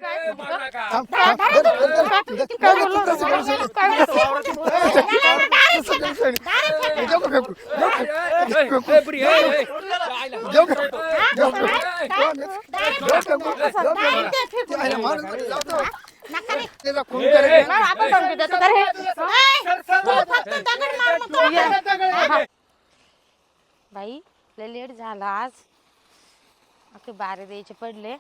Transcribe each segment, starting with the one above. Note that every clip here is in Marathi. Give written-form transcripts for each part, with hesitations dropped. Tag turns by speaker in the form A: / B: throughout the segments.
A: बाई लय लेट झाला आज. अखे बारे द्यायचे पडले.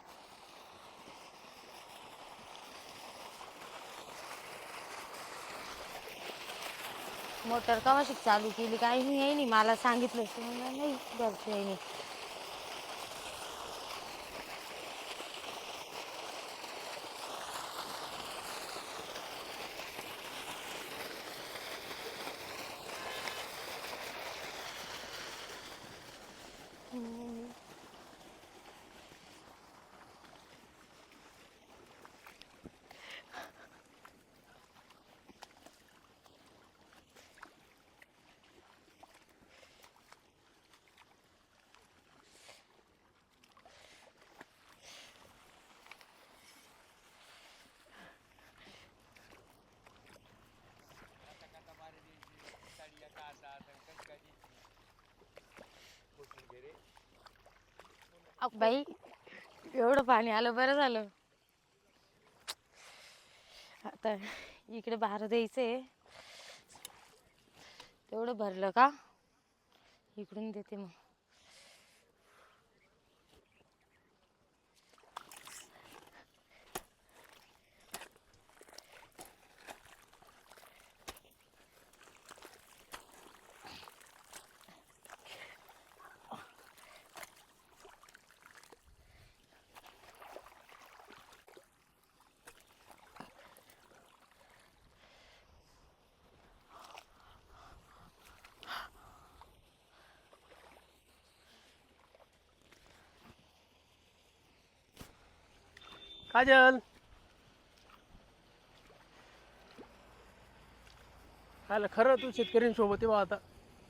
A: मोटर कवाशी चालू केली काही नाही मला सांगितलं नाही घरचे. बाई एवढं पाणी आलं बरं झालं. आता इकडे बाहेर द्यायचंय तेवढं भरलं का इकडून देते मग.
B: काजल खायला खरं तू शेतकऱ्यांसोबत आहे आता.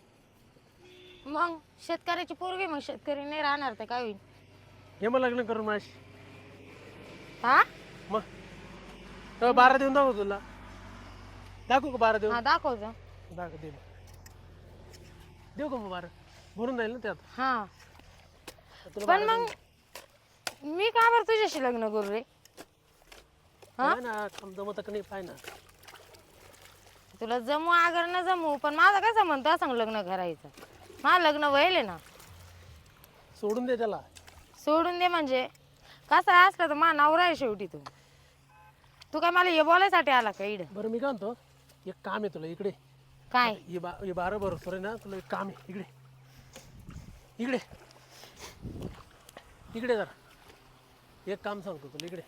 A: मग शेतकऱ्याची पोरगी मग शेतकरी नाही राहणार तर काय होईल.
B: हे मग लग्न करून माझी
A: हा
B: मग तर 12 देऊन दाखव तुला. दाखवू का 12 देऊ?
A: हा दाखवतो.
B: दाखव दे देऊ का मग 12 भरून जाईल ना त्यात.
A: हा पण मग मी का बरं तुझ्याशी लग्न करू रे. हा
B: ना जमत का नाही पाय ना.
A: तुला जमू अगर न जमू पण माझा काय संबंध त्या सांग लग्न करायचं. माझं लग्न व्हायले ना.
B: सोडून दे त्याला.
A: सोडून दे म्हणजे कसं असलं तर मा नवरा आहे शेवटी. तू काय मला हे बोलायसाठी आला का इकडे.
B: बरं मी काय म्हणतो एक काम आहे तुला इकडे.
A: काय
B: हे 12 बरोबर आहे ना. तुला एक काम आहे इकडे इकडे इकडे जरा एक काम सांगतो तुला इकडे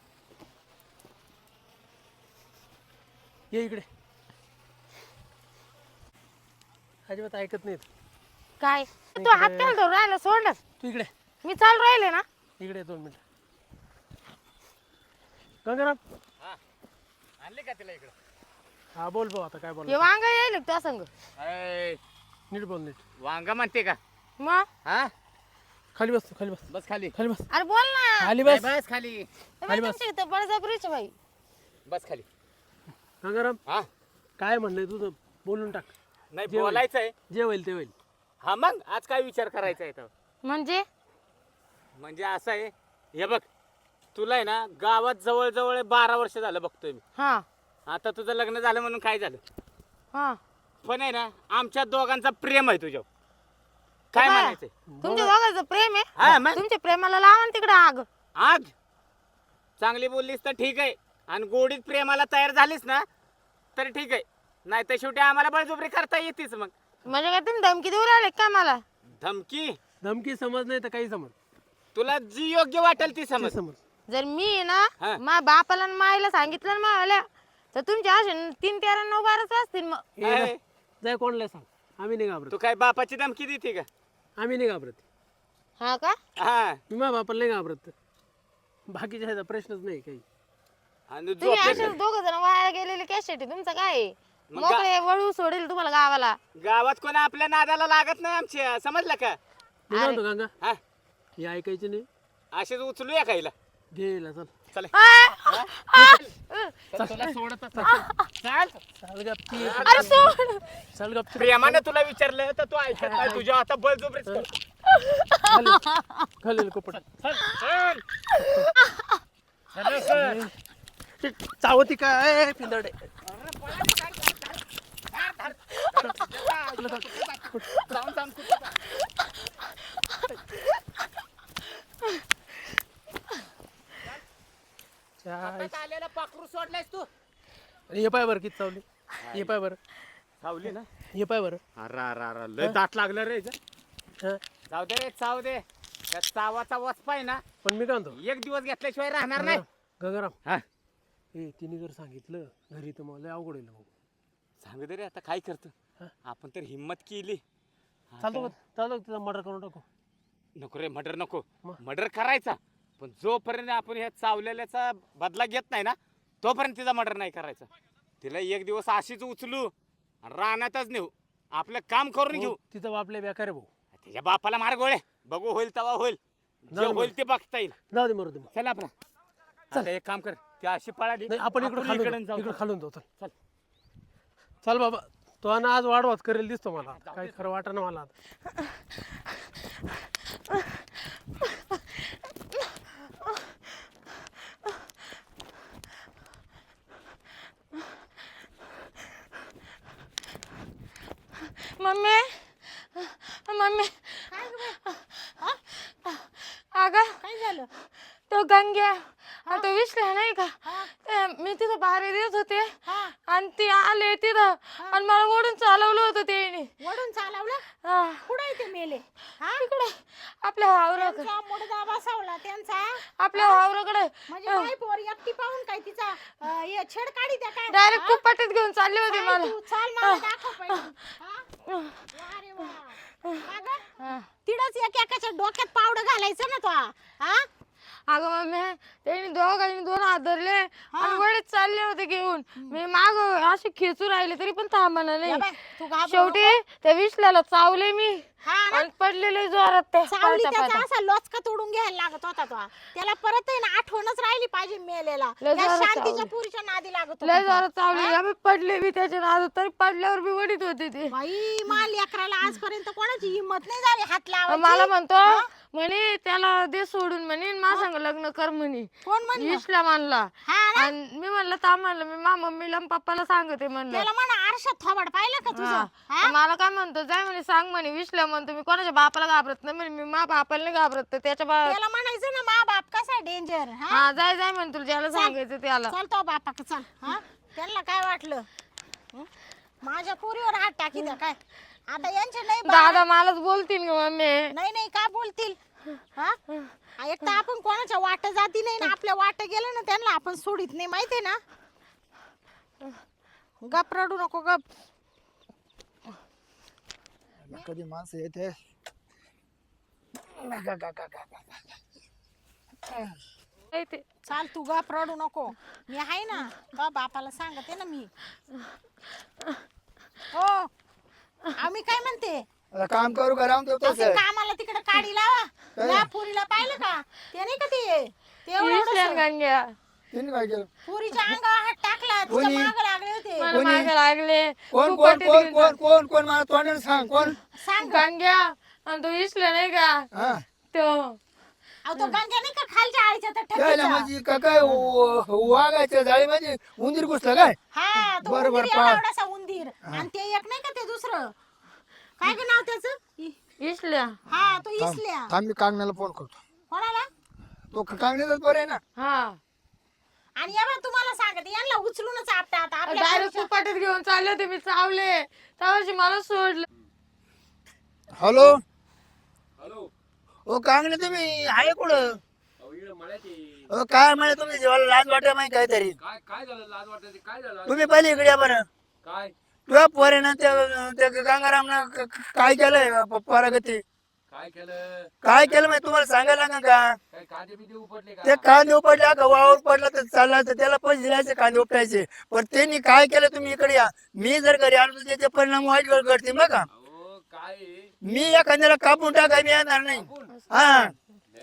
B: ये. इकडे अजिबात ऐकत नाहीत.
A: काय तू हात काय धरून राहिला सोड.
B: तू इकडे
A: मी चालू राहिले ना.
B: इकडे 2 मिनिट. गंगाराम
C: आणले का तिला इकडं?
B: हा बोल भाऊ आता काय बोल.
A: हे वांग येईल त्या संग.
B: नीट बोल नीट.
C: वांगा म्हणते का?
A: मग
C: हा
B: खाली बस खाली बस
C: बस खाली.
B: खाली बस
A: अरे बोल ना.
B: खाली बस
C: बस खाली.
B: खाली बस.
A: तुमच्या इथं बळजबरीच बाई.
C: बस खाली.
B: गंगाराम
C: हा
B: काय म्हणणं तुझं बोलून टाक.
C: नाही
B: जे होईल.
C: बोलायचं आहे.
B: जे होईल ते होईल.
C: हा मग आज काय विचार करायचा आहे तर?
A: म्हणजे
C: असं आहे हे बघ तुला आहे ना गावात जवळ 12 वर्ष झालं बघतोय मी.
A: हा
C: आता तुझं लग्न झालं म्हणून काय झालं
A: हा
C: पण आहे ना आमच्या दोघांचा प्रेम आहे तुझ्यावर. काय
A: बाबा,
C: म्हणायचंय?
A: तुमच्या दोघांचं प्रेम
C: हा,
A: आहे.
C: मग?
A: तुमच्या प्रेमाला लावा तिकडे आग.
C: आग चांगली बोललीस तर ठीक आहे आणि गोडीत प्रेमाला तयार झालीस ना तर ठीक आहे. नाही तर शेवटी आम्हाला बळजबरी करता येतेच. मग
A: म्हणजे काय तुम्ही धमकी देऊ राहिले का मला.
C: धमकी
B: धमकी समज नाही तर काही समज.
C: तुला जी योग्य वाटेल ती
B: ते
C: समज.
B: समज.
A: जर मी आहे ना
C: हा.
A: माझ्या बापाला आणि माईला सांगितलं ना मला तर तुमच्या असे 3, 13, 9, 12 असतील. मग
B: ए,
C: आहे.
B: जाय कोणाला सांग. आम्ही नाही घाबरत.
C: तू काय बापाची धमकी देते का?
B: आम्ही नाही घाबरत.
A: हा का
C: हा
B: मी माझ्या बापाला नाही घाबरत. बाकीच्या ह्याचा प्रश्नच नाही काही.
C: आणि
A: तुम्ही
C: झोपले
A: असे दोघ जण वाया गेलेले कॅशेटी तुमचं काय आहे?
C: मग
A: मोकळे वळू सोडेल तुम्हाला गावाला.
C: गावात कोणी आपल्या नादाला लागत नाही आमच्या. समजलं का?
B: मी काय म्हणतो गंगा
C: हा
B: हे ऐकायचे नाही.
C: असेच उचलूया खायला.
B: गेला चल
C: चल
A: आ,
C: चल, तुला सोडतच नाही. चल
B: चल गपची
A: अरे सोड.
B: चल गपची
C: प्रेमाने तुला विचारलं तर तू ऐकत नाही तुझ्या आता बळजबरीच कर.
B: खाली कोपट
C: चल, चल. चल, चल.
B: चावती काय पिंदडे
C: जाऊन जाऊन कुठं जा. हातात आलेला पाखरू सोडलायस तू
B: हे पाय बरं किती चावली हे पाय बरं
C: सावली ना
B: हे पाय बरं
C: अरा लय दाट लागलं रे हिचं.
B: हा.
C: जाऊ दे रे चाव दे त्या चावाचा वचपा आहे ना
B: पण मी काय म्हणतो
C: एक दिवस घेतल्याशिवाय राहणार नाही.
B: गंगाराम
C: हा
B: ए तिने जर सांगितलं घरी तर मला लय अवघड होईल भाऊ
C: सांगू दे रे आता काय करतो
B: हा.
C: आपण तर हिम्मत केली.
B: चालतो का चालतो का तिचा मर्डर करून टाकू
C: नको रे मर्डर नको
B: मग?
C: मर्डर करायचा पण जोपर्यंत आपण ह्या चावलेल्याचा बदला घेत नाही ना तोपर्यंत तिचा मर्डर नाही करायचा. तिला एक दिवस अशीच उचलू आणि रानातच नेऊ आपलं काम करून घेऊ.
B: तिचा बाप लय बेकार आहे भाऊ
C: तिच्या बापाला मार गोळे बघू होईल तेव्हा होईल जे
B: जाऊ दे
C: होईल ते बघता येईल.
B: जाऊ दे मरू दे मग.
C: चल आपण चल एक काम कर ती अशी पळाली
B: नाही आपण इकडे
C: इकडून
B: खालून
C: जाऊ.
B: इकडे खालून जाऊ चल
C: चल.
B: चल बाबा तो आणि आज वाढवाच करेल दिसतो मला काही खरं वाटणं मला आता.
A: मम्मी मम्मी अगं
D: काय झालं
A: तो गंग्या आणि तो विसला नाही का ते मी तिथं बाहेर देत होते
D: हा
A: आणि ती आले तिथं आणि मला ओढून चालवलं होतं ते
D: वडून चालवलं कुठे ते मेले हा
A: तिकडे आपल्या वावराकडे
D: त्यांचा मुडदा बसवला त्यांचा
A: आपल्या वावराकडे
D: म्हणजे काय पोर एकटी पाहून काय तिचा हे छेड काढी त्या काय
A: डायरेक्ट कुपाटीत घेऊन चालले होते
D: काय
A: मला
D: तू चाल मला दाखव पहिले हा? वा रे वा. का गं? तिडच एक एकाच्या डोक्यात पावडं घालायचं ना तो हा
A: अगं मम्मी त्यांनी दोघांनी दोन हात धरले आणि वडीत चालले होते घेऊन मी माग असे खेचू राहिले तरी पण थांबणार
D: या
A: नाही.
D: बाय, तू घाबरू
A: शेवटी त्या विसल्याला चावले मी
D: हा ना?
A: आणि पडलेले जोरात ते
D: सावली
A: पळता
D: त्याचा
A: पळता.
D: असा लोचका तोडून घ्यायला लागत होता तो त्याला परत आहे ना आठवणच राहिली पाहिजे मेलेला
A: लय
D: त्या
A: जोरात
D: शांतीच्या
A: चावली.
D: पुरीच्या नादी लागत
A: लय
D: होता
A: जोरात चावले आम्ही पडले मी त्याच्या नादात तरी पडल्यावर मी वडीत होते ते
D: बाई मा लेकराला आजपर्यंत कोणाची हिंमत नाही झाली हात लावायची
A: मला म्हणतो म्हणे त्याला दे सोडून म्हणे मा सांग लग्न कर म्हणे
D: कोण म्हणलं
A: विसला मानला
D: हा ना?
A: आणि मी म्हणलं थांब म्हणलं मी मा मम्मीला आणि पप्पाला सांगते म्हणलं
D: त्याला म्हणा आरशात थोबाड पाहिलं का तुझं
A: हा. मला काय म्हणतो जाय म्हणे सांग म्हणे विसल्या म्हणतो मी कोणाच्या बापाला घाबरत नाही म्हणे मी मा बापाला नाही घाबरत तर त्याच्या
D: त्याला म्हणायचं ना मा बाप कसा डेंजर हा
A: हा जाय जाय म्हणे तुला ज्याला सांगायचं त्याला
D: चल तो बापाक चल हा त्यांना काय वाटलं हं? माझ्या पुरीवर हात टाकी द्या काय आता यांचे नाही
A: दादा मलाच बोलतील ग मम्मी
D: नाही नाही काय बोलतील हा एक तर आपण कोणाच्या वाट जाती नाही ना आपल्या वाट गेलं ना त्यांना आपण सोडित नाही माहितीये ना गप रडू नको गप
E: कधी माणसं येते
A: नाही ते
D: चाल तू गप रडू नको मी आहे ना तो बापाला सांगते ना मी हो आम्ही काय म्हणते
E: आता काम करू का राहून ठेवतो
D: असं कामाला तिकडे काढी लावा या पुरीला पाहिलं का ते नाही का ते एवढं
A: विसल्या
D: एवढंसं.
A: गंग्या
E: तिने काय केलं
D: पुरीच्या अंगावर हात टाकला तिच्या
E: कोणी?
D: माग लागले होते
A: मला मागे लागले
E: कोण
A: खूप
E: कोण
A: वाटेत
E: कोण
A: घेऊन
E: कोण कोण कोण मला तोंडाने सांग कोण
D: सांग
A: गंग्या आणि तो विसल्या नाही का
E: हा
A: तो
D: अहो तो गंग्या नाही का खालच्या आळीच्या त्या
E: त्याला
D: ठकीचा?
E: म्हणजे का काय वाघाच्या जाळी म्हणजे उंदीर घुसलं काय
D: हा तो
E: बरं,
D: उंदीर
E: बरं,
D: एवढा
E: पहा.
D: एवढासा उंदीर आणि ते एक नाही का ते दुसरं काय ग नाव त्याचं
A: विसल्या
D: हा तो इसल्या
E: थांब मी कागण्याला फोन करतो
D: कोणाला
E: तो कागण्याचाच बरं आहे ना
A: हा
D: आणि या बरं तुम्हाला सांगते यांना उचलूनच आपटा आता आपल्या
A: डायरेक्ट कुपाटीत घेऊन चालले होते मी चावले त्यावर्षी मला सोडलं
E: हॅलो हॅलो ओ कागणे तुम्ही आहे कुठं हो काय म्हणे तुम्ही जेवायला लाज वाटत माहिती काहीतरी
F: काय झालं लाज वाटायची काय झालं
E: तुम्ही पहिले इकडे या बरं
F: काय
E: तुझ्या पोरेनं त्या गंगारामनं काय केलंय परागती
F: काय केलं
E: काय केलं माहिती तुम्हाला सांगायला लागेल का
F: काय कांदे बिंदे उपटले का
E: ते कांदे उपटले का वावर पडला तर चालला तर त्याला पैसे दिलायचे कांदे उपटायचे पण त्यांनी काय केलं तुम्ही इकडे या मी जर घरी आलो तर त्याचे परिणाम वाईट घडतील बघा
F: अहो काय आहे?
E: मी एखाद्याला कापून टाका मी येणार नाही हा
F: नाही हो,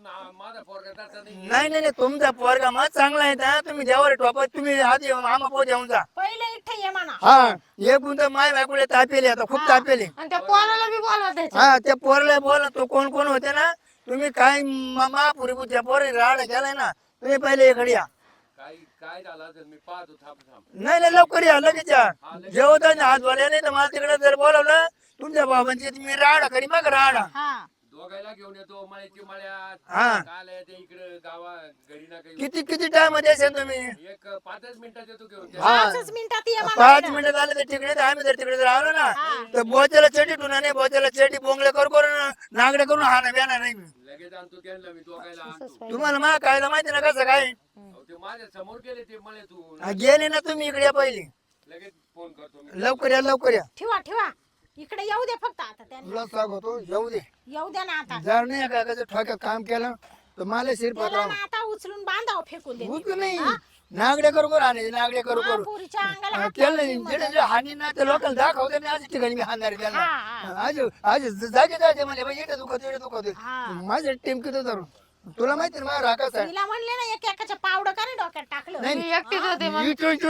F: माझा पोरगा तसा नाही.
E: नाही नाही नाही, तुमचा पोरगा मग चांगला आहे ना, तुम्ही देवावर टोपत तुम्ही आधी मामा पोत येऊन जा.
D: पहिले इथे ये म्हणा.
E: हा एक गुंत माय बायकोले तापेली, आता खूप तापेली.
A: आणि त्या पोराला बी बोलवा त्याच्या.
E: हा त्या पोरला बोला, तो कोण कोण होते ना, तुम्ही काय महापुरी त्या पोरी राड केलाय ना, तुम्ही पहिले इकडे या.
F: काय झालं असेल मी पाहतो. थांब.
E: नाही नाही लवकर या, लगेच या. जेवता हात बोलले नाही तर मला तिकडे जर बोलावलं तुमच्या बाबांची, तुम्ही राडा करी मग राडा.
D: हा
F: दोघायला घेऊन येतो मळ्याची मळ्यात.
E: हा.
F: काल ते इकडे गावा घरी ना काही.
E: किती किती टाइम मध्ये असेल तुम्ही?
F: एक 5 मिनिटात येतो घेऊन.
E: हा
D: 5 मिनिटात ये म्हणा.
E: 5 मिनिटं झाले तर तिकडे आम्ही जर तिकडे जर आलो ना तर बोच्याला चेटी टुना नाही, बोच्याला चेटी बोंगले करून नागडे करून हा ना बेणार नाही मी.
F: लगेच आणतो त्यांना मी दोघायला आणतो.
E: तुम्हाला मा कायला माहिती ना कसं काय.
F: अहो, ते माझ्या समोर गेले ते मळ्यातून.
E: हा, गेले ना तुम्ही इकडे या पहिली.
F: लगेच फोन करतो मी.
E: लवकर या लवकर या.
D: ठेवा इकडे येऊ दे फक्त आता त्यांनी.
E: तुला सांगतो येऊ दे.
D: येऊ दे ना आता.
E: जर नाही का ठोक्यात काम केलं तर मला शिरपत
D: त्याला ना आता उचलून बांधाव फेकून दे.
E: उचलू नाही, नागडे करू करू आणि नागडे करू करू
D: पुरीच्या अंगाला हात
E: केलं
D: लावून
E: नाही.
D: दे
E: जिथे जे हानी ना ते लोकांना दाखवते नाही, आज ठिकाणी मी हाणणार आहे त्याला.
D: हा.
E: आज आज जागे जायचे म्हणजे बाई इथे दुखत इथे दुखत.
D: हा.
E: माझ्या टीम किती धरून तुला माहिती ना माझा राखाच आहे.
D: तिला म्हणले ना एक एकाच्या पावडं का नाही डोक्यात टाकलं.
A: मी एकटीच होते मग.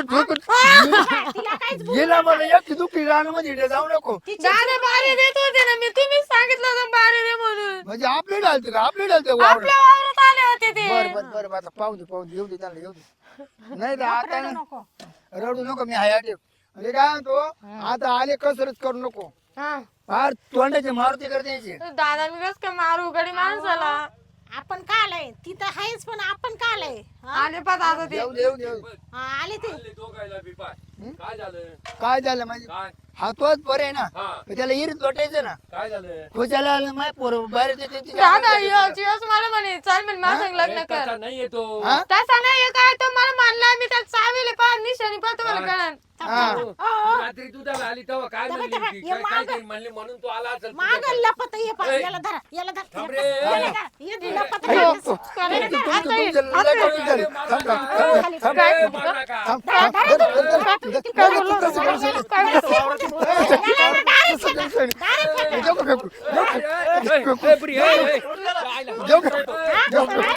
D: तिला काहीच बोल-
E: गेला मला एकटी दुखी रानामध्ये जाऊ नको.
A: दादा बारे देत होते ना मी, तुम्हीच सांगितलं होतं बारे दे म्हणून.
E: म्हणजे आपले डालते का आपले डालते
A: आपल्या वावरात आले होते ते.
E: बर आता पाहू दे येऊ दे त्याला येऊ दे. नाही तर आता ना
D: नको.
E: रडू नको, मी हाय ठेव. म्हणजे काय म्हणतो आता आले कसरत करू नको.
A: हा.
E: फार तोंडाची मारुती करते याची.
A: दादा मी कस काय मारू गडी माणसाला.
D: आपण का आलंय तिथं आहेच पण आपण का आलंय. हा?
A: आले पा दादा ते.
E: येऊ दे येऊ दे येऊ दे.
D: हा, आले ते.
F: आले दोघायला बी पाय. काय झालं?
E: काय झालं माझे
F: काय?
E: हा तोच बरं आहे ना,
F: हा.
E: तर त्याला इरीत लोटायचं ना.
F: काय झालं?
E: खुशाला आलं माय पोर बाहेर देते तिच्या
A: दादा
E: अंगात जायचं.
A: योच मला म्हणे चल म्हणे माझं संग लग्न कर.
F: तसा नाही येतो.
E: हा?
A: तसा नाही हे काय तो मला मानला, मी त्यात चावीले पा निशाणी पा तुम्हाला कळण.
E: हा.
F: रात्री दुधाला आली तेव्हा काय म्हणली
D: तेव्हा
F: ती?
D: हे
F: काय
D: मागं-
F: काय म्हणली म्हणून तू आला असेल
D: माग
F: तुझ्याकडे.
D: लपत ये पा
F: ए.
D: याला धरा याला धरा
F: थांब
D: याला
F: रे.
D: धरा, याला धरा. ये लपत
E: अरे,
D: घालायचं.
E: तुमचं लय कौतुक झालं. थांब, थांब, थांब, थांब,
F: ए, मारू नका.
E: थांब, थांब, धर, धर, धर, धर.
A: काय बोललो? काय
E: देऊ का फेकू?
F: ए, ए, प्रिया, ए, ए. जायला.
E: देऊ का? देऊ का?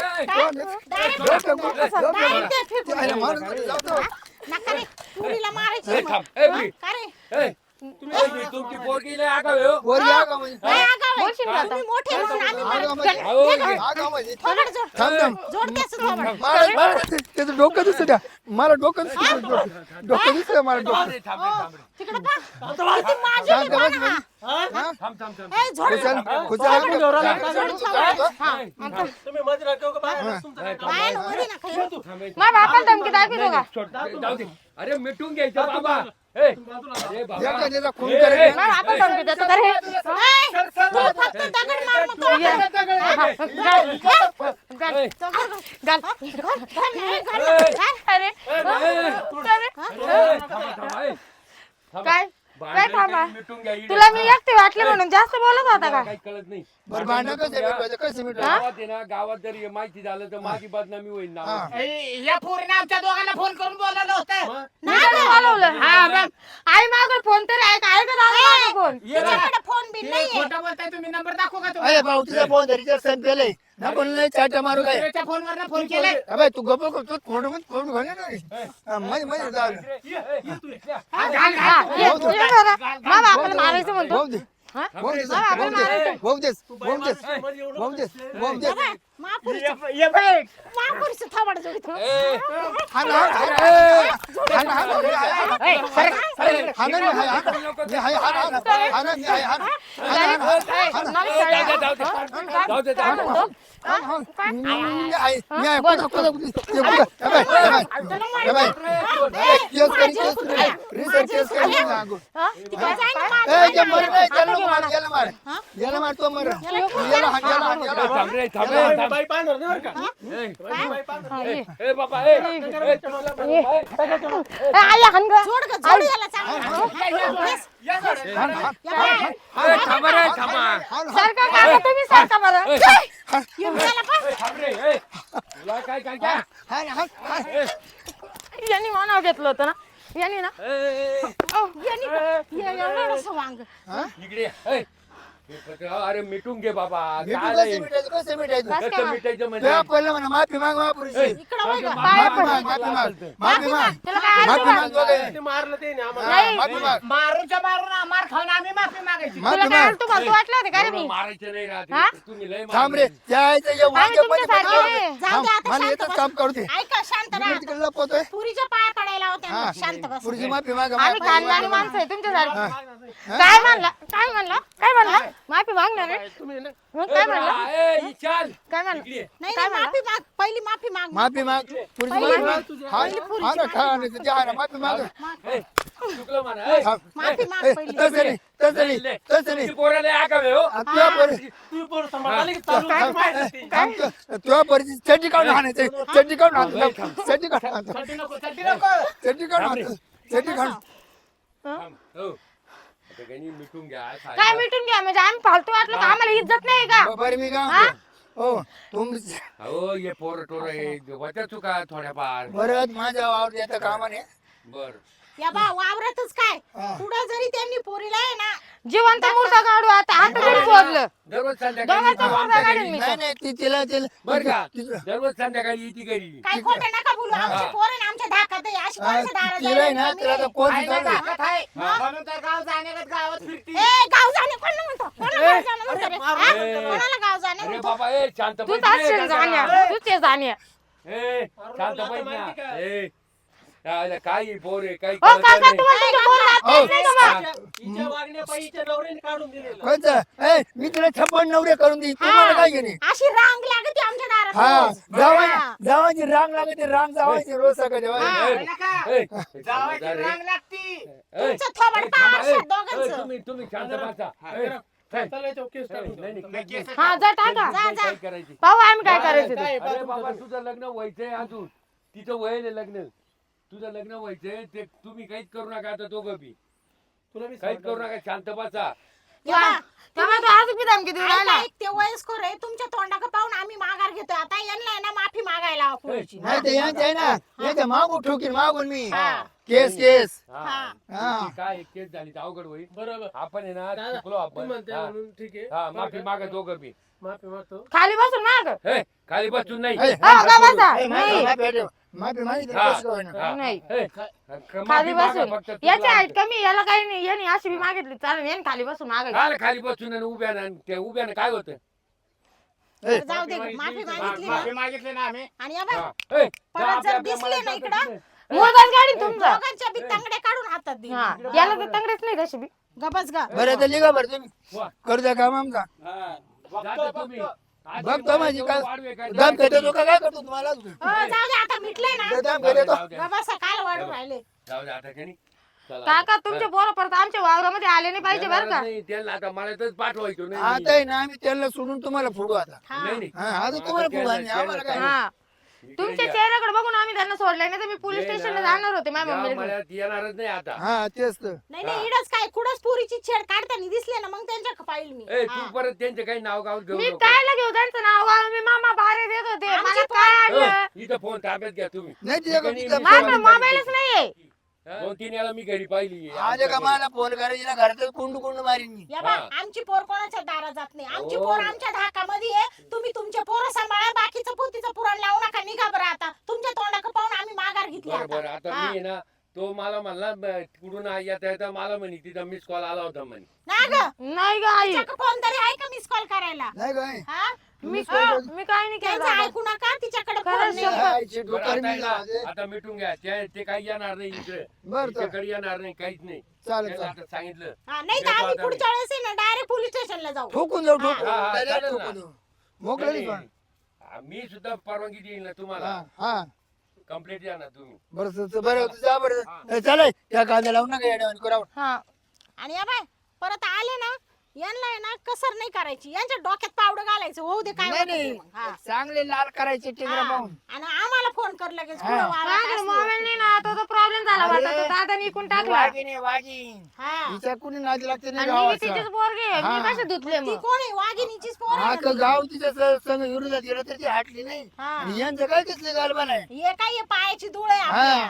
D: डायरेक्ट ते फेकून
E: आयला
D: दे.
E: मारून जाऊ दे.
D: नका रे पुरीला मारायची
F: ए,
D: मग.
F: थांब. ए, प्री.
D: का रे?
F: ए, तुमची पोरगी लय आगाऊ आहे, हो.
E: वर या का म्हणजे?
D: काय आगाऊ आहे?
A: बोलशील का आता?
D: तुम्ही मोठे म्हणून आम्ही
E: आगाऊ
D: मारतो.
E: म्हणजे?
F: अहो,
E: आगाऊ म्हणजे?
D: थोबड जोड.
E: थांब, थांब.
D: जोड त्याचं थोबड.
E: मला त्याचं डोकं दिसत द्या. मला डोकं दिसत डोकं दिसत मला डोकं.
F: थांब रे, थांब रे, थांब रे.
D: तिकडं पहा. किती माझी
E: शांत बस
D: बघा.
E: हा?
F: थांब, थांब, थांब.
D: ए, जोड.
E: खुशाल खुशाल
D: जोड थोबड. हा.
F: ए, थांब.
D: बायांवर नका येऊ.
F: थांब, ए.
A: माझ्या बापाला धमकी दाखवतो का?
F: सोड, जाऊ दे. अरे मिटून घ्यायचं बाबा. ए, अरे बाबा.
E: एका त्याचा खून
F: ए,
E: करेल.
F: ए,
A: माझ्या बापाला धमकी देतो का रे?
D: ए, तू फक्त दगड मार मग तो.
A: ये. घाल. घाल.
F: ए,
A: घाल. अरे अरे
F: थांबा, ए. थांबा.
A: काय काय थांबा?
F: मिटून घ्या इकडे.
A: तुला मी एकटी वाटले म्हणून जास्त बोलत होता का?
F: काही कळत नाही.
E: बरं भांडण कसं मिटवायचं कसं मिटवायचं?
F: गावात आहे ना, गावात जर हे माहिती झालं तर माझी बदनामी होईल ना.
E: हा.
G: या पोरीने आमच्या दोघांना फोन करून बोलावलं होतं.
A: नाही का बोलवलं?
G: हा, मग.
A: आई मागं फोन तर आहे का? आहे का दादा मागं फोन?
D: तिच्याकडे फोन बिन
G: ते
D: नाहीये.
G: खोटं बोलताय तुम्ही. नंबर दाखवू का
E: अरे
G: तुम्हाला?
E: भाऊ तुझा फोन धरीच्या सण पेलय ना, कोणाला चाटा मारू काय?
G: दुसऱ्याच्या फोनवरनं फोन केलाय.
E: अबे तू गप्प कर, तू फोन घाल ना. मध्ये जाऊ दे.
A: हा, ये जरा. माझ्या बापाला मारायचं म्हणतो.
E: भाऊ दे.
A: हा?
E: भाऊ दे.
A: माझ्या बापाला मारायचं.
E: भाऊ देस. भाऊ देस. भाऊ देस. भाऊ देस.
D: महापुरुष थोबड जोडीतो.
E: हा ना, हा ना. हा ना, हा ना. हा ना, मी हाय, हा ना. मी हाय, हा ना. हा ना, मी हाय, हा ना. हा ना, हा ना. हा ना.
F: जाऊ दे, जाऊ दे.
E: हा, हा. मी हाय, मी हाय. कोणा- कोणा- ते बघ. अबे, अबे. अबे, केस करी, केस करी. रिसर्च केस करी ना अगो.
D: तिकडे जाय ना माझं.
E: ए, जे मर नाही, त्याला नको मार, याला मार. याला मार, तो मर. याला हाण, याला हाण, याला हाण.
F: थांब रे, थांब रे, थांब. ए, ए, बाबा, ए, ए, चला, बाबा,
A: आई हाण गं.
D: जोड ग, जोड याला चांगलं.
E: हाण, हाण.
F: ए, थांबा रे, थांबा.
E: हाण, हाण.
A: सारखा काका तुम्ही सारखा बरं.
D: याला पहा.
F: ए, थांब रे, ए. तुला काय काय काय?
E: हाण, हाण, हाण.
A: यांनी नाव घेतलं होतं ना, यांनी ना.
F: ए,
D: यांनी का- या- या रडसं वांग.
F: इकडे ये. ए, अरे मिटून घे बाबा
E: भेटू
F: काय
E: कसं
F: नाही.
E: मिटायचं कसं मिटायचं
A: बस
F: कसं
A: काय
F: मिटायचं म्हणजे
E: तेव्हा पहिलं म्हणा माफी माग महापुरुषी
D: इकडं वळ गं.
E: माफी माग माफी माग माफी माग
A: त्याला काय
E: माफी
A: अर्थ
E: माग दोघे.
B: ते मारलं ते ना आम्हाला
A: नाही.
E: माफी माग
G: मारूच्या मारून मार खाऊन आम्ही माफी मागायची
E: माफी
A: तुला काय
E: माग
A: अर्थ तुम्हाला वाटलं होतं का रे
F: एवढं
A: मी
F: मारायचं नाही राहत.
A: हा?
F: तुम्ही लय
E: थांब रे
F: मारले.
E: त्या आईचं जे
A: आम्ही
E: वांगे
A: तुमच्यासारखे
E: मध्ये
A: नाही.
D: जाऊ दे आता
E: मला
D: शांत
E: येतच
D: बस.
E: काम करू दे
D: ऐका शांत राहा.
E: इकडे तिकडे लपवतोय
D: पुरीच्या पाया पडायला होत्या
E: हा.
D: शांत बस.
E: पुरीची माफी माग
A: आम्ही खानदानी माणसं आहे तुमच्यासारखे काय म्हणला काय म्हणला काय म्हणला माफी मागणार रे
B: तुम्ही ना
A: मग काय म्हणला
F: ए, चल
A: काय म्हणला
F: इकडे ये.
D: नाही
A: काय
D: नाही, माफी माग पहिली माफी माग
E: माफी माग पुरीची
D: पहिली
E: माफी माग हा ना खा ना तुझ्या ना माफी माग
F: ए, चुकलं म्हणा. ए,
D: माफी माग
E: ए,
D: पहिली
E: तसं नाही तसं नाही
F: लय.
E: तसं नाही
F: तुझी पोरं लय आगाऊ आहे, हो.
E: तुझ्या पोरी
B: तुम्ही पोरं सांभाळा की चालू माहिती
E: तुझ्या पोरीची चड्डी काढून आणायचं चड्डी काढून आणायचं चड्डी काढून आणायचं
G: चड्डी नको चड्डी नको
E: चड्डी काढून आणायचं चड्डी काढून
F: थांब, हो. आता काही नाही, मिटून घ्या काय
A: काय मिटून घ्या म्हणजे आम्ही फालतू वाटलं का आम्हाला इज्जत नाही का
E: बरं मी काय म्हणतो? हो तुम
F: हो ये पोर टोर होत्या चुका थोड्याफार
E: बरं माझ्या वावर येतं कामाने
F: बर
D: या बा वावरातच काय
E: हा.
D: पुढे जरी त्यांनी पोरीला आहे ना
A: जिवंत मूर्ता काढू आता आता तरी शोधलं
F: दररोज संध्याकाळी
A: दोघांचा
F: येतो
A: मुर्दा
F: आमच्या
A: काढेल
F: घरी.
A: मी
E: नाही नाही तिला
F: बर का
E: तिला
F: दररोज संध्याकाळी येते घरी
D: काय खोटं नका बोलू आमची
F: हा.
D: पोरं ना आमच्या धाकात आहे अशी कोणाच्या दारात
E: तिला आहे ना
D: जायला
E: तिला
D: कमी
E: आता कोण
G: आहे ना
E: शिकवलं?
G: ताकद आहे म्हणून तर गाव जाण्यागत गावात फिरती
D: आहे. ए गाव जाणे कोण म्हणतो कोणाला गाव जाणं म्हणतो रे? हा?
F: ए.
D: कोणाला गाव जाणे
F: अरे
D: म्हणतो
F: बाबा ए शांत
A: तू
F: बैठ
A: तास
F: रे,
A: जाण्या
F: दादा.
A: तू ते जाण्या
F: ए शांत बैठ ना
B: माहिती का?
F: ए यायला काय पोर आहे काही
A: हो
F: कळत
A: काका
F: नाही.
A: तुम्हाला तुमच्या पोराला हात
E: हो.
A: नाही का मग?
B: हिच्या वागण्या पायीच्या नवऱ्याने काढून दिलेलं
E: कोणतं ए मी तुला 56 नवरे करून देईन तुम्हाला काय घेणे
D: अशी रांग लागते आमच्या दारात
E: हा
D: रोज. हा.
E: जावायची रांग लागते रांग जावायची रोज सकाळी
F: ए, ए,
G: जावायची
F: ए,
G: रांग लागती
F: ए,
D: तुमचं थोबाड
F: ए,
D: पाहा
F: ए,
D: दोघांचं.
F: तुम्ही शांत बसा
B: हा,
F: ए,
B: करा.
F: ए,
B: चला याच्यावर केस
F: नाही,
B: टाकून
F: नाही,
B: द्या.
F: नाही.
G: केस
A: हा जा टाका
D: जा, जा.
F: काय करायची
A: पाहू आम्ही काय करायचं ते.
B: काय
F: अरे
B: पाहतो
F: बाबा
B: तुमचं?
F: तुझं लग्न व्हायचंय अजून तिचं वय आहे लग्न तुझं लग्न व्हायचंय ते तुम्ही काहीच करू नका आता दोघं बी
B: तुला मी
F: काहीच करू नका शांत बसा
D: या बा,
A: तेव्हा तू आज बी धमकी देऊ राहिला
D: ऐक, ते वयस्कर आहे तुमच्या तोंडाकडे पाहून आम्ही माघार घेतोय आता यांना आहे ना माफी मागायला हवं पुरीची.
E: नाही ते यांचे आहे ना याच्या मागून ठोकीन मागून मी
D: हा.
E: केस केस
F: हा.
E: हा.
F: ती काय केस झाली तर अवघड होईल
B: बरोबर
F: आपण आहे ना
B: दादा,
F: चुकलो
B: तू
F: आपण
B: म्हणते
F: हा.
B: म्हणून ठीक आहे
F: हा माफी मागा दोघं बी
B: माफी मागतो
A: खाली बसून माग
F: हे खाली बसून नाही
E: ए,
A: हो का बसा
E: ए,
A: नाही
E: माफी मागितली
F: हा.
E: कसं काय होईना?
F: हा.
A: नाही.
F: हे,
A: खाली
F: माफी मागा
A: बसून
F: फक्त
A: याची
F: चुकलं
A: हाईट
F: आमचं.
A: कमी याला काही नाही याने अशी बी मागितली चालेल याने खाली बसून मागायची
F: काय खाली बसून आणि उभ्यानं ते उभ्यानं काय होतं
E: ए,
D: जाऊ दे माफी मागितली ना
G: माफी मागितली ना आम्ही
D: आणि या बा,
F: हा. हे,
D: परत
F: जा
D: जर
F: आपल्या-
D: दिसले
F: आपल्या
D: ना इकडं,
F: मनात
A: मोदच गाडी तुमचा
D: दोघांच्या बी तांगड्या काढून हातात दे
A: हा याला तर तंगडेच नाही तशी बी
D: गबस गा
E: बरं तर लिगा बरं तुम्ही
F: वा.
E: करू द्या काम आमचा
F: हा.
G: बघतो,
F: जाता तुम्ही
G: बघतो.
F: आधी
E: बघतो माझी काय
F: वाढवे काय
E: दम करतो तो का काय करतो तुम्हाला
D: जाऊ दे आता मिटलंय ना
E: दम
F: जाऊ दे,
E: करतो
F: जाऊ दे.
D: गबस काल वाढून राहिले
F: जाऊ दे आता काही
A: काका तुमचे पोरं परत आमच्या वावरामध्ये आले नाही पाहिजे बरं का
F: नाही त्यांना आता मळ्यातच पाठवायचो नाही
E: आता आहे ना आम्ही त्यांना सोडून तुम्हाला फोडू आता
D: हा.
F: नाही नाही
E: हा आता तुम्हाला फोडू आणि आम्हाला काय
A: हा तुमच्या चेहऱ्याकडे बघून आम्ही त्यांना सोडले नाही तर मी पोलीस स्टेशनला जाणार होते माझ्या
F: या
A: मम्मीला
F: मळ्यात येणारच नाही आता
E: हा तेच तर
D: नाही नाही इडच काय कुठंच पुरीची छेड काढताना दिसले ना मग त्यांच्या पाहिल मी
F: ए
D: हा.
F: तू परत त्यांचे काही नाव गाव घेऊ
A: मी
F: नको
A: कायला घेऊ त्यांचं नाव गाव मी मामा बारे देत होते
D: आमची
A: मला काय
F: हो,
A: आणलं
F: इथं फोन ताब्यात घ्या तुम्ही
E: नाही तिच्याकडे
F: ठिकाणी
E: तिचा
F: मी
A: माझ्याकडे
F: फोन
A: मोबाईलच नाहीये
F: दोन तीन याला मी घरी पाहिली
E: आले का मला फोन करायची घरातच कुंडू कुंडू मारीन मी
D: या बा
F: हा.
D: आमची पोर कोणाच्या दारात जात नाही आमची
F: हो.
D: पोर आमच्या धाकामध्ये आहे तुम्ही तुमचे पोरं सांभाळा बाकीचं पोतीचं पुराण लावू नका निघा बरं आता तुमच्या तोंडाकडे पाहून आम्ही माघार घेतली
F: बरं बरं
D: आता
F: आता
D: हा.
F: मी आहे ना तो मला म्हणला कुठून येता येता मला म्हणे तिथं मिस कॉल आला होता म्हणे
D: ना ग
A: नाही ग आई
D: तिच्याकडे फोन तरी आहे का मिस कॉल करायला
E: नाही काय
D: हा
A: मी मी काय नाही केलं
D: त्यांचं
A: दादा.
D: ऐकू नका तिच्याकडे
A: खरंच
D: फोन नाही.
A: शपथ.
E: आईची
F: बरं,
E: डोक्यावर
F: आता
E: मी
F: आहे ना,
E: लावते.
F: आता मिटून घ्या ते काही येणार नाही इकडे
E: बरं तर
F: तिच्याकडे येणार नाही काहीच नाही
E: चालेल
F: त्याला
E: चालेल
F: आता सांगितलं
D: हा, नाही तर
F: येतो
D: आम्ही
F: आता
D: पुढच्या वेळेस आहे ना डायरेक्ट पोलीस स्टेशनला जाऊ
E: ठोकून जाऊ ठोकून
F: हा, हा,
E: Direct
F: चालेल ना.
E: ठोकून जाऊ. मोकळं
F: नाही,
E: पण
F: नाही. मी सुद्धा परवानगी देईल ना तुम्हाला
E: हा हा
F: कंप्लेंट द्या ना तुम्ही
E: बरं बरं जा बरं चालेल त्या कांदा लावून नका येड्यावानी करावं
A: हा
D: आणि या बाय परत आले ना यांना आहे ना कसर नाही करायची यांच्या डोक्यात पावडं घालायचं होऊ दे काय
E: नाही
D: होतं ते
E: नाही
D: मग. हा.
E: चांगले लाल करायचे टिंगरा
D: हा.
E: पाहून
D: आणि आम्हाला फोन कर लगेच
E: हा.
D: पुढं वावरात
A: माझ्याकडे
D: असली
A: मोबाईल नाही ना तो प्रॉब्लेम झाला
E: अरे.
A: होता तो दादाने इकून टाकला
E: वाघिणी वाघीण
D: हा
E: तिच्या कुणी नादी लागते नाही
A: आणि मी
E: गावाचा
A: तिचेच पोरगे मी
E: हा.
A: कसे धुतले
D: ती
A: मग
D: कोण आहे वाघिणीचीच पोर
E: हा
D: आहे
E: का
D: ना
E: गाव तिच्या संग विरोधात गेलं तर ती हटली नाही
D: हा.
E: आणि यांचं काय कसले गालबा नाही
D: हे काय हे पायाची धूळ आहे
E: हा.
D: आपल्या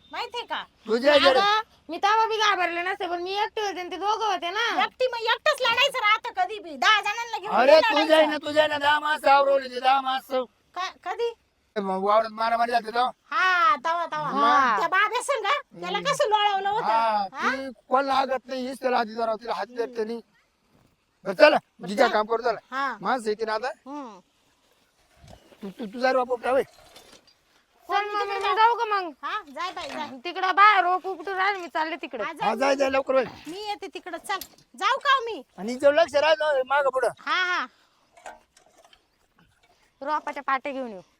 D: माहितीये का
E: तुझ्या
A: अगं, मी तेव्हा बी घाबरले नसते पण मी एकटे होते आणि ते दोघं होते ना.
D: एकटी मग एकटंच लढायचं राहतं कधी बी 10 जणांना घेऊन
E: अरे
D: नाही
E: तुझ्या
D: लढायचं.
E: तुझ्या ना 10 माणसं आवरवली 10 माणसं
D: कधी
E: वावरात मारामारी जाते तो
D: हा तवा
A: हा.
D: त्या बाब्या संग त्याला कसं लोळवलं
E: हा
D: होतं हा?
E: ती कोणाला लागत नाही हीच त्याला हाती धरावं तिला हाती धरते नाही बरं चला जिजा काम करू चला
D: हा
E: माणसं येते ना आता
D: हम्म.
E: तुझा बापू टावे
A: चल मम्मी मी जाऊ का मग
D: हा जाय बाई जाय
A: तिकडं बाहेर रोप उपटून राहील मी चालले तिकडे.
D: हा,
E: हा
D: जाय.
E: जाय लवकर बाई.
D: मी येते तिकडं चल जाऊ का हो मी
E: आणि जर लक्ष राहायचं माग पुढं
D: हा हा
A: रोपाच्या पाट्या घेऊन येऊ.